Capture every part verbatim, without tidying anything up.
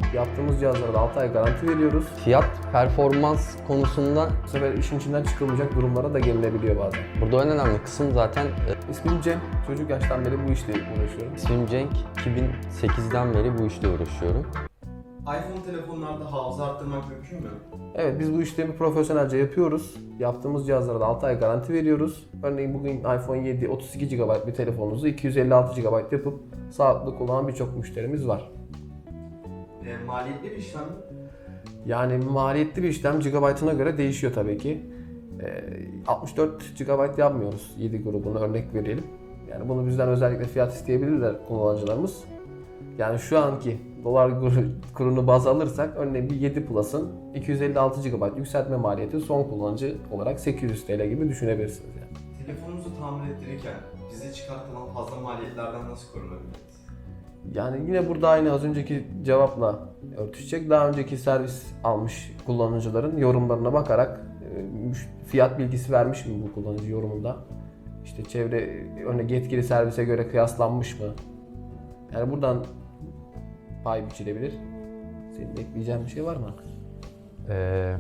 Yaptığımız cihazlara da altı ay garanti veriyoruz. Fiyat performans konusunda Bu sefer işin içinden çıkılmayacak durumlara da gelinebiliyor bazen. burada en önemli kısım zaten e, İsmim Cem. Çocuk yaştan beri bu işle uğraşıyorum. ismim Cenk. iki bin sekizden beri bu işle uğraşıyorum. iPhone telefonlarda hafıza arttırmak mümkün mü? Evet, biz bu işlemi profesyonelce yapıyoruz. Yaptığımız cihazlara da altı ay garanti veriyoruz. Örneğin bugün iPhone yedi otuz iki gigabayt bir telefonunuzu iki yüz elli altı gigabayt yapıp sağlıklı kullanan birçok müşterimiz var. E, maliyetli bir işlem mi? Yani maliyetli bir işlem gigabaytına göre değişiyor tabii ki. Ee, altmış dört gigabayt yapmıyoruz yedi grubuna, örnek verelim. Yani bunu bizden özellikle fiyat isteyebilirler kullanıcılarımız. Yani şu anki dolar kurunu baz alırsak örneğin bir yedi Plus'ın iki yüz elli altı gigabayt yükseltme maliyeti son kullanıcı olarak sekiz yüz TL gibi düşünebilirsiniz yani. Telefonunuzu tamir ettirirken bize çıkartılan fazla maliyetlerden nasıl korunabiliriz? Yani yine burada aynı az önceki cevapla örtüşecek. Daha önceki servis almış kullanıcıların yorumlarına bakarak e, fiyat bilgisi vermiş mi bu kullanıcı yorumunda? İşte çevre örneğin yetkili servise göre kıyaslanmış mı? Yani buradan pay biçilebilir. Senin ekleyeceğin bir şey var mı? Ee,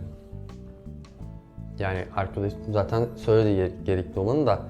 yani arkadaşım zaten söyledi gerekli olanı da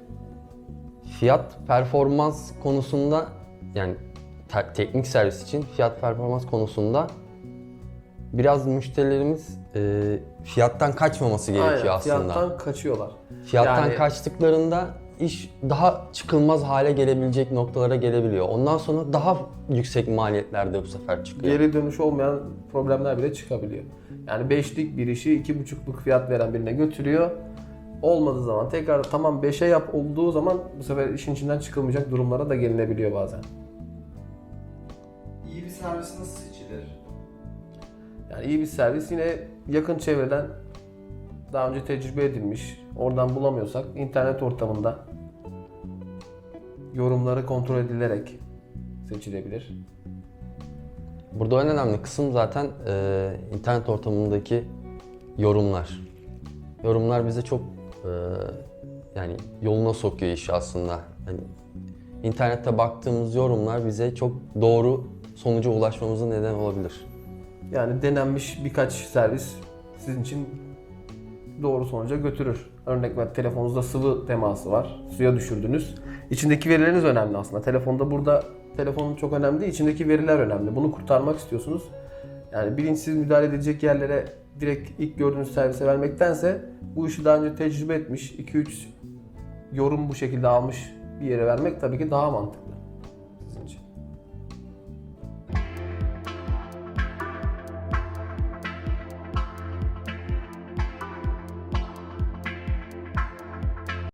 fiyat performans konusunda yani te- teknik servis için fiyat performans konusunda biraz müşterilerimiz e, fiyattan kaçmaması gerekiyor Aynen, aslında. fiyattan kaçıyorlar. Fiyattan Yani- kaçtıklarında iş daha çıkılmaz hale gelebilecek noktalara gelebiliyor. Ondan sonra daha yüksek maliyetlerde bu sefer çıkıyor. Geri dönüş olmayan problemler bile çıkabiliyor. Yani beşlik bir işi iki buçukluk fiyat veren birine götürüyor. Olmadığı zaman tekrar tamam beşe yap olduğu zaman bu sefer işin içinden çıkılmayacak durumlara da gelinebiliyor bazen. İyi bir servis nasıl seçilir? Yani iyi bir servis yine yakın çevreden daha önce tecrübe edilmiş, oradan bulamıyorsak internet ortamında yorumları kontrol edilerek seçilebilir. Burada en önemli kısım zaten e, internet ortamındaki yorumlar. Yorumlar bize çok e, yani yoluna sokuyor işi aslında. Hani internette baktığımız yorumlar bize çok doğru sonuca ulaşmamıza neden olabilir. Yani denenmiş birkaç servis sizin için doğru sonuca götürür. Örnek ver, telefonunuzda sıvı teması var, suya düşürdünüz. İçindeki verileriniz önemli aslında. Telefonda burada telefonun çok önemli değil, içindeki veriler önemli. Bunu kurtarmak istiyorsunuz. Yani bilinçsiz müdahale edilecek yerlere direkt ilk gördüğünüz servise vermektense bu işi daha önce tecrübe etmiş, iki üç yorum bu şekilde almış bir yere vermek tabii ki daha mantıklı.